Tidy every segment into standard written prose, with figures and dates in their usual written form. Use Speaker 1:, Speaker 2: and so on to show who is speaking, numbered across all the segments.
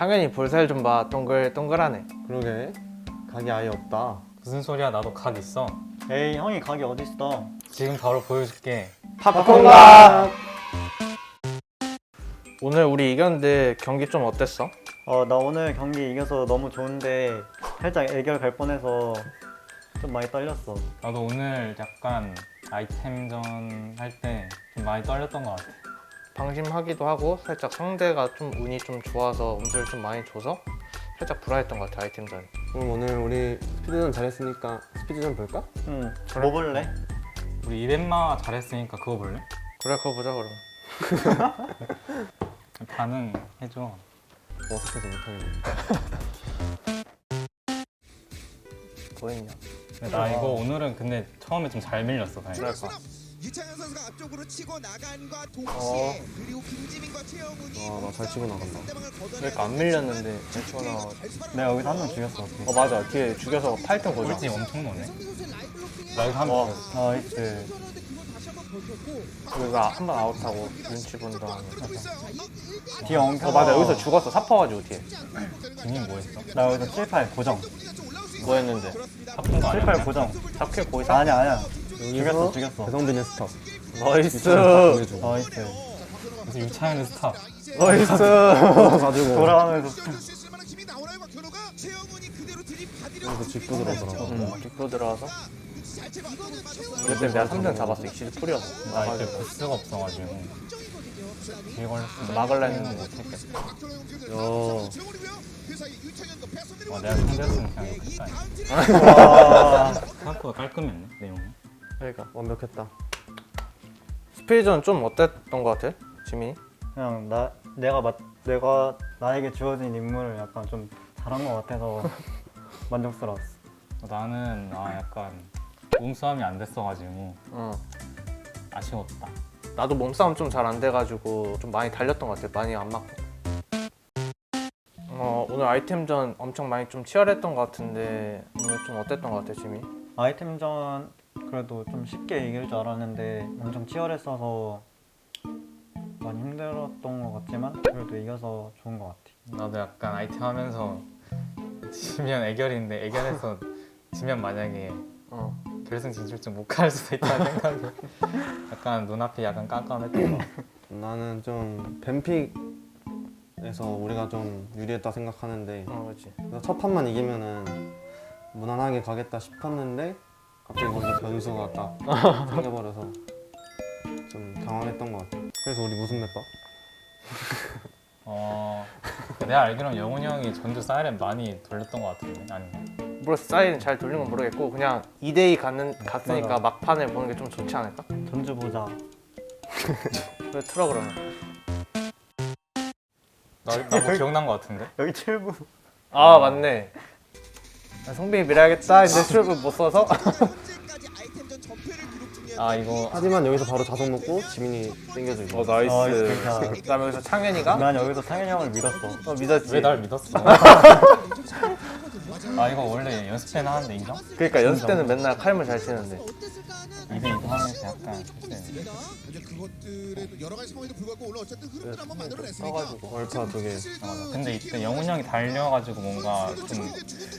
Speaker 1: 창현이 볼살 좀 봐. 동글동글하네.
Speaker 2: 그러게 각이 아예 없다.
Speaker 3: 무슨 소리야? 나도 각 있어.
Speaker 4: 에이 형이 각이 어딨어.
Speaker 3: 지금 바로 보여줄게.
Speaker 1: 팝콘각! 오늘 우리 이겼는데 경기 좀 어땠어?
Speaker 4: 나 오늘 경기 이겨서 너무 좋은데 살짝 애결 갈 뻔해서 좀 많이 떨렸어.
Speaker 3: 나도 오늘 약간 아이템전 할 때 좀 많이 떨렸던 것 같아.
Speaker 1: 방심하기도 하고 살짝 상대가 좀 운이 좀 좋아서 음수를 좀 많이 줘서 살짝 불안했던 것 같아, 아이템전.
Speaker 2: 그럼 오늘 우리 스피드전 잘했으니까 스피드전 볼까?
Speaker 4: 응. 뭐 볼래?
Speaker 3: 우리 이벤마 잘했으니까 그거 볼래?
Speaker 1: 그래, 그거 보자 그럼.
Speaker 3: 반응해줘.
Speaker 2: 어색해서 못하겠네.
Speaker 1: 보였냐?
Speaker 3: 근데 나 이거 오늘은 근데 처음에 좀 잘 밀렸어. 다행히.
Speaker 1: 그럴까?
Speaker 5: 유창현 선수가 앞쪽으로 치고 나간과 동시에 그리고 김지민과 최영훈이
Speaker 2: 나 잘 치고 나간다.
Speaker 1: 그러니까 안 밀렸는데 대충
Speaker 4: 내가 여기서 한 명 죽였어. 어떻게.
Speaker 1: 맞아. 뒤에 죽여서 8등 보자.
Speaker 3: 꿀팁 엄청 넣네. 나 이거 한번
Speaker 4: 나이스.
Speaker 1: 우리가 한 번 아웃하고 눈치 본 다음에.
Speaker 4: 뒤에 엉켜.
Speaker 1: 맞아. 여기서 죽었어. 사퍼가지고 뒤에.
Speaker 3: 지민 뭐 했어?
Speaker 4: 나 여기서 7, 8 고정.
Speaker 1: 뭐 했는데?
Speaker 3: 사푼 거
Speaker 4: 7,
Speaker 3: 아니야?
Speaker 4: 8 고정.
Speaker 1: 잡힐 거의 사.
Speaker 4: 아니야.
Speaker 2: 여기서
Speaker 4: 죽였어.
Speaker 2: 배성빈의 스탑.
Speaker 1: 나이스.
Speaker 4: 나이스.
Speaker 3: 그래서 유창현의 스탑.
Speaker 1: 나이스.
Speaker 2: 가지고
Speaker 4: 돌아가면서.
Speaker 2: 그래서 짚고 들어오더라고.
Speaker 1: 뒷도 들어와서. 그때 내가 3등 잡았어. 익시드 풀이었어.
Speaker 3: 나 이때 부스가 없어가지고 뒤에 걸렸어.
Speaker 1: 막을라 했는데 못했겠어.
Speaker 3: 내가 상대였으면 그냥 욕했다.
Speaker 4: 와.
Speaker 3: 생각보다 깔끔했네 내용이.
Speaker 1: 그러니까.
Speaker 2: 완벽했다.
Speaker 1: 스피드전 좀 어땠던 것 같아? 지민이?
Speaker 4: 그냥 내가 나에게 주어진 임무를 약간 좀 잘한 것 같아서 만족스러웠어.
Speaker 3: 나는 약간 몸싸움이 안 됐어가지고
Speaker 1: 어.
Speaker 3: 아쉬웠다.
Speaker 1: 나도 몸싸움 좀 잘 안 돼가지고 좀 많이 달렸던 것 같아. 많이 안 맞고. 오늘 아이템전 엄청 많이 좀 치열했던 것 같은데 오늘 좀 어땠던 것 같아, 지민이?
Speaker 4: 아이템전 그래도 좀 쉽게 이길 줄 알았는데 엄청 치열했어서 많이 힘들었던 것 같지만 그래도 이겨서 좋은 것 같아.
Speaker 3: 나도 약간 아이템 하면서 지면 애결인데 애결해서 지면 만약에 결승 진출쯤 못 갈 수도 있다는 생각이 약간 눈앞이 약간 깜깜했던 거.
Speaker 2: 나는 좀 뱀픽에서 우리가 좀 유리했다 생각하는데
Speaker 1: 그렇지.
Speaker 2: 그래서 첫 판만 이기면은 무난하게 가겠다 싶었는데 갑자기 거기서 변수가 딱 생겨버려서 좀 당황했던 것 같아. 그래서 우리 무슨 맵 봐?
Speaker 3: 내가 알기로는 영훈이 형이 전주 사이렌 많이 돌렸던 것 같은데 아닌가?
Speaker 1: 모르겠어. 사이는 잘 돌린 건 모르겠고 그냥 2대2 갔으니까
Speaker 4: 맞아.
Speaker 1: 막판을 보는 게 좀 좋지 않을까?
Speaker 4: 전주 보자.
Speaker 1: 그래, 틀어 그러면.
Speaker 3: 나 뭐 기억난 것 같은데?
Speaker 4: 여기 7부.
Speaker 1: 아, 맞네. 성빈이 밀어야겠다. 근데 출구 못 써서.
Speaker 3: 이거
Speaker 2: 하지만 여기서 바로 자석 먹고 지민이 땡겨주고.
Speaker 1: 나이스. 그다음에 여기서 창현이가
Speaker 4: 난 여기서 상현이 형을 믿었어.
Speaker 1: 믿었지.
Speaker 3: 왜 날 믿었어? 이거 원래 연습 때는 하는데 인정?
Speaker 1: 그러니까 연습 때는 맨날 칼물 잘 치는데.
Speaker 3: 이거 하면서 약간 실수했는데.
Speaker 5: 여러 가지 상황에도 불구하고 오늘 어쨌든 흐름을 한번 만들어냈으니까
Speaker 1: 써가지고.
Speaker 2: 얼파 2개.
Speaker 3: 맞아. 근데 이때 영훈이 형이 달려가지고 뭔가 좀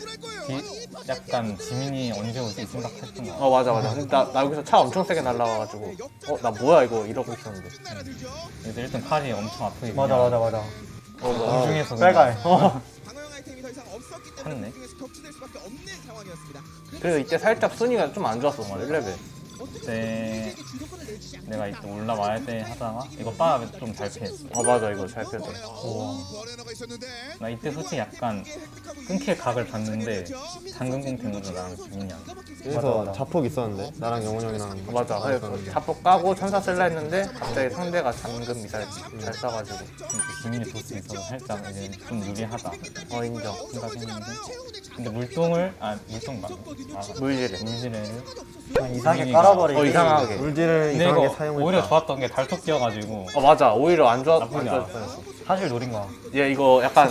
Speaker 3: 약간 지민이 언제 오지 생각했던 거 같아.
Speaker 1: 맞아. 근데 나 여기서 차 엄청 세게 날라가가지고 나 뭐야 이거 이러고 있었는데.
Speaker 3: 근데 일단 팔이 엄청 아프게
Speaker 4: 맞아.
Speaker 3: 공중에서
Speaker 4: 빨갈.
Speaker 5: 방어형 아이템이 더 이상 없었기 때문에
Speaker 3: 컸네.
Speaker 5: 공중에서 겹치될 수밖에 없는 상황이었습니다.
Speaker 1: 그래서 이때 살짝 순위가 좀 안 좋았어. 1레벨.
Speaker 3: 그때 내가 이때 올라와야 돼 하다가 이거 빠 좀 잘 피했어.
Speaker 1: 맞아. 이거 잘 펴져.
Speaker 5: 버레너가 있었는데
Speaker 3: 나 이때 솔직히 약간 끊길 각을 봤는데 당근공 때문에 나랑 지민이 형.
Speaker 2: 그래서
Speaker 4: 맞아.
Speaker 2: 자폭 있었는데 나랑 영훈 형이랑
Speaker 1: 맞아. 그래서 자폭 까고 천사 쓸라 했는데 갑자기 상대가 잠금 미사일 잘 쏴가지고.
Speaker 3: 지민이 보스 있어서 살짝 이제 좀 유리하다
Speaker 1: 인정.
Speaker 3: 생각했는데 근데 물동을 물동 맞네.
Speaker 1: 물질에.
Speaker 3: 물지레를
Speaker 4: 이상하게
Speaker 3: 지민이가-
Speaker 4: 깔아버리고.
Speaker 1: 이상하게.
Speaker 2: 물질을
Speaker 3: 근데
Speaker 2: 이상하게
Speaker 3: 이거
Speaker 2: 사용했다.
Speaker 3: 오히려 좋았던 게 달톡 뛰어가지고
Speaker 1: 맞아. 오히려 안
Speaker 3: 나쁘지
Speaker 1: 좋았어.
Speaker 4: 사실 노린 거야.
Speaker 1: 얘 이거 약간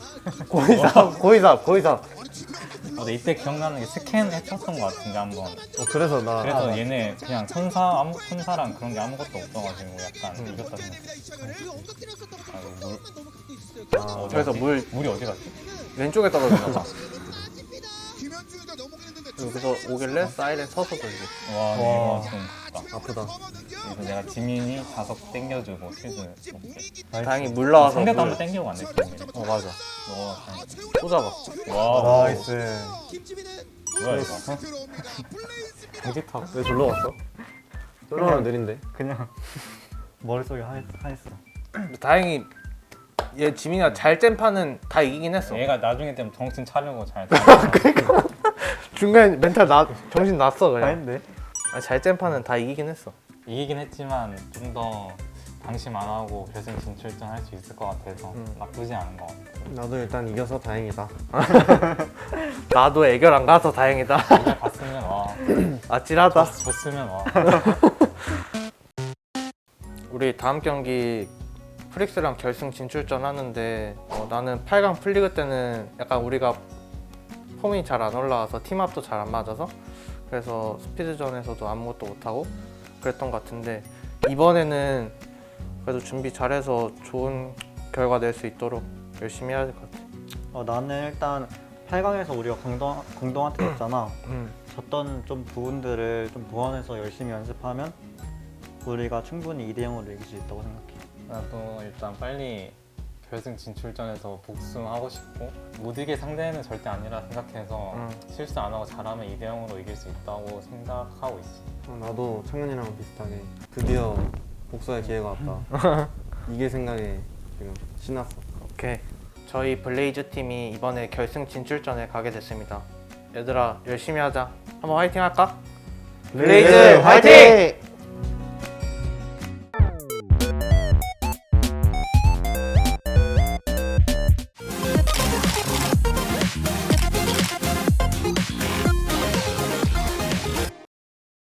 Speaker 1: 고의삽.
Speaker 3: 근데 이때 기억나는 게 스캔 해쳤던 것 같은데 한번.
Speaker 2: 그래서 나
Speaker 3: 그래서 얘네 그냥 천사랑 그런 게 아무것도 없어가지고 약간 이겼다 생각했어.
Speaker 1: 그래서
Speaker 3: 물이 어디 갔지?
Speaker 1: 왼쪽에 떨어졌나 봐.
Speaker 5: 김현중이가 넘어가는데
Speaker 1: 여기서 오길래 사이렌 서서 돌리고.
Speaker 3: 와, 이거 좀 아깝다.
Speaker 2: 아프다.
Speaker 3: 그래서 내가 지민이 자석 땡겨주고 실드
Speaker 1: 다행히 물 나와서
Speaker 3: 상대도
Speaker 1: 물.
Speaker 3: 한번 땡기고 왔네.
Speaker 1: 맞아.
Speaker 3: 너
Speaker 1: 또 잡았어.
Speaker 3: 와,
Speaker 4: 나이스.
Speaker 5: 김지민은
Speaker 3: 뭐야 이거?
Speaker 5: 들어옵니다. 블레이즈입니다.
Speaker 2: 여기 타. 왜 졸러 갔어? 졸러 느린데.
Speaker 4: 그냥 머릿속에 하였어.
Speaker 1: 다행히 얘 지민이가 잘 짠 판은 다 이기긴 했어.
Speaker 3: 얘가 나중에 되면 정신 차려고 잘.
Speaker 1: 중간에 멘탈 정신 났어 그냥.
Speaker 4: 아닌데?
Speaker 1: 잘 짠 판은 다 이기긴 했어.
Speaker 3: 이기긴 했지만 좀 더 방심 안 하고 결승 진출전 할 수 있을 것 같아서 나쁘지 않은 것 같아.
Speaker 2: 나도 일단 이겨서 다행이다.
Speaker 1: 나도 애결 안 가서 다행이다.
Speaker 3: 이제 갔으면 와.
Speaker 1: 아찔하다.
Speaker 3: 졌으면 와.
Speaker 1: 우리 다음 경기 프릭스랑 결승 진출전 하는데 나는 8강 풀리그 때는 약간 우리가 폼이 잘 안 올라와서 팀합도 잘 안 맞아서 그래서 스피드전에서도 아무것도 못하고 그랬던 것 같은데 이번에는 그래도 준비 잘해서 좋은 결과 낼 수 있도록 열심히 해야 될 것 같아.
Speaker 4: 나는 일단 8강에서 우리가 공동한테 졌잖아. 졌던 좀 부분들을 좀 보완해서 열심히 연습하면 우리가 충분히 2대 0으로 이길 수 있다고 생각해.
Speaker 3: 나도 일단 빨리 결승 진출전에서 복수하고 싶고 못 이길 상대는 절대 아니라 생각해서 실수 안 하고 잘하면 2대 0으로 이길 수 있다고 생각하고 있어.
Speaker 2: 나도 창현이랑 비슷하게 드디어 복수의 기회가 왔다. 이길 생각에 지금 신났어.
Speaker 1: 오케이. 저희 블레이즈 팀이 이번에 결승 진출전에 가게 됐습니다. 얘들아 열심히 하자. 한번 화이팅 할까?
Speaker 2: 블레이즈 화이팅!